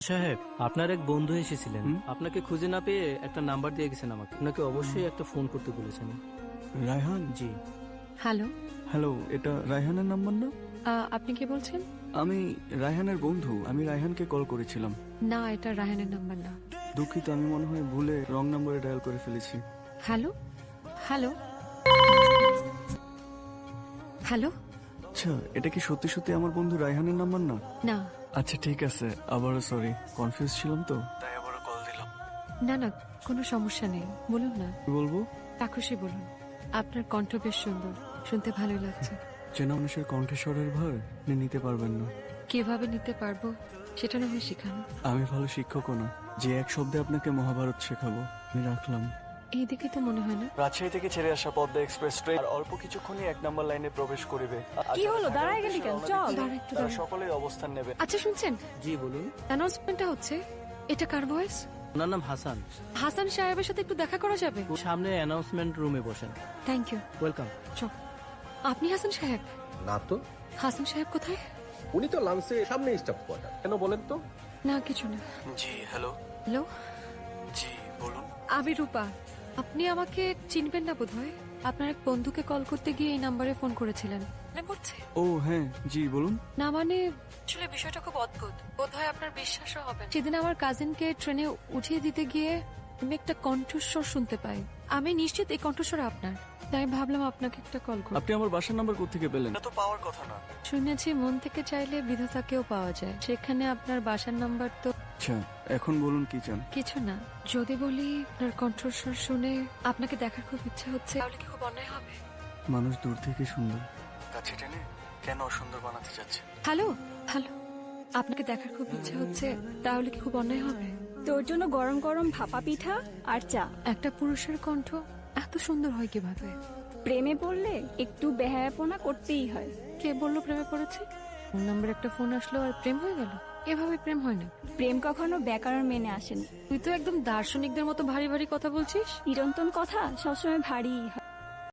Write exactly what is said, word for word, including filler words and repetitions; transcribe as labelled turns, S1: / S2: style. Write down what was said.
S1: সাহেব, আপনার এক বন্ধু এসেছিলেন, আপনাকে খুঁজে না পেয়ে একটা নাম্বার দিয়ে গেছেন আমাকে। আপনাকে অবশ্যই একটা ফোন করতে বলেছেন।
S2: রায়হান?
S1: জি।
S3: হ্যালো,
S2: হ্যালো, এটা রায়হানের নাম্বার না?
S3: আহ, আপনি কি বলছেন?
S2: আমি রায়হানের বন্ধু। আমি রায়হানকে কল করেছিলাম।
S3: না, এটা রায়হানের নাম্বার না।
S2: দুঃখিত, আমি মনে হয় ভুলে রং নাম্বারে ডায়াল করে ফেলেছি।
S3: Hello hello hello.
S2: আচ্ছা, এটা কি সত্যি সত্যি আমার বন্ধু রায়হানের নাম্বার না?
S3: না
S2: আচ্ছা ঠিক আছে, আবারও সরি, কনফিউজ ছিলাম তো তাই আবারও কল দিলাম।
S3: না না, কোনো সমস্যা নেই, বলুন না।
S2: কি বলবো?
S3: কাকুশি বলুন। আপনার কণ্ঠ বেশ সুন্দর, শুনতে ভালোই লাগছে।
S2: চেনা মানুষের কণ্ঠস্বরের ভার আপনি নিতে পারবেন না।
S3: কিভাবে নিতে পারবো সেটা না হয় শিখানো।
S2: আমি ভালো শিক্ষকও না যে এক শব্দে আপনাকে মহাভারত শেখাবো। আমি রাখলাম।
S3: এইদিকে তো মনে হয় না।
S2: রাজশাহী থেকে ছেড়ে আসা পদ্মা এক্সপ্রেস ট্রেন আর অল্প কিছুক্ষণই এক নাম্বার লাইনে প্রবেশ করিবে।
S4: কি হলো, দাঁড়ায় গেলি কেন? চল।
S3: দাঁড়া একটু
S2: তারা
S3: দাঁড়া।
S2: সকলেই অবস্থান নেবে।
S3: আচ্ছা শুনছেন,
S1: জি বলুন।
S3: অ্যানাউন্সমেন্টটা হচ্ছে, এটা কার ভয়েস?
S1: ওনার নাম হাসান।
S3: হাসান সাহেবের সাথে একটু দেখা করা যাবে?
S1: সামনে অ্যানাউন্সমেন্ট রুমে বসেন।
S3: Thank you.
S1: ওয়েলকাম।
S3: চল। আপনি হাসান সাহেব?
S5: না তো,
S3: হাসান সাহেব কোথায়?
S5: উনি তো লাঞ্চে সামনে স্টাফ কোয়ার্টার। কেন বলেন তো?
S3: না কিছু না।
S2: জি হ্যালো।
S3: হ্যালো,
S2: জি বলুন।
S3: আমি রূপা। আপনি আমাকে চিনবেন না বোধহয়। আপনার এক বন্ধুকে কল করতে গিয়ে এই নাম্বারে ফোন করেছিলেন, মনে পড়ছে?
S2: ও হ্যাঁ, জি বলুন।
S3: না মানে, আসলে বিষয়টা খুব অদ্ভুত, বোধহয় আপনার বিশ্বাসও হবে না। সেদিন আমার কাজিনকে ট্রেনে উঠিয়ে দিতে গিয়ে আমি একটা কণ্ঠস্বর শুনতে পাই। আমি নিশ্চিত এই কণ্ঠস্বর আপনার, তাই ভাবলাম আপনাকে একটা কল করি।
S2: আপনি আমার বাসার নাম্বার কোত্থেকে পেলেন? এটা তো পাওয়ার কথা না।
S3: শুনেছি মন থেকে চাইলে বিধাতাকেও পাওয়া যায়, সেখানে আপনার বাসার নাম্বার তো।
S2: আচ্ছা, এখন বলুন কি চান?
S3: কিছু না, যদি বলি আপনার কণ্ঠস্বর শুনে আপনাকে দেখার খুব ইচ্ছা হচ্ছে, তাহলে কি খুব অন্যায় হবে?
S2: মানুষ দূর থেকে সুন্দর, কাছে টেনে কেন সুন্দর বানাতে যাচ্ছে?
S3: হ্যালো হ্যালো, আপনাকে দেখার খুব ইচ্ছা হচ্ছে, তাহলে কি খুব অন্যায় হবে?
S4: তোর জন্য গরম গরম ভাপা পিঠা আর চা।
S3: একটা পুরুষের কণ্ঠ এত সুন্দর হয় কিভাবে?
S4: প্রেমে পড়লে একটু বেহায়াপনা করতেই হয়।
S3: কে বললো প্রেমে পড়েছে? ফোন নাম্বার একটা ফোন আসলো আর প্রেম হয়ে গেল? এভাবে প্রেম হয় না।
S4: প্রেম কখনো ব্যাকরণ মেনে আসেনি।
S3: তুই তো একদম দার্শনিকদের মতো ভারী ভারী কথা বলছিস।
S4: চিরন্তন কথা সবসময় ভারীই হয়।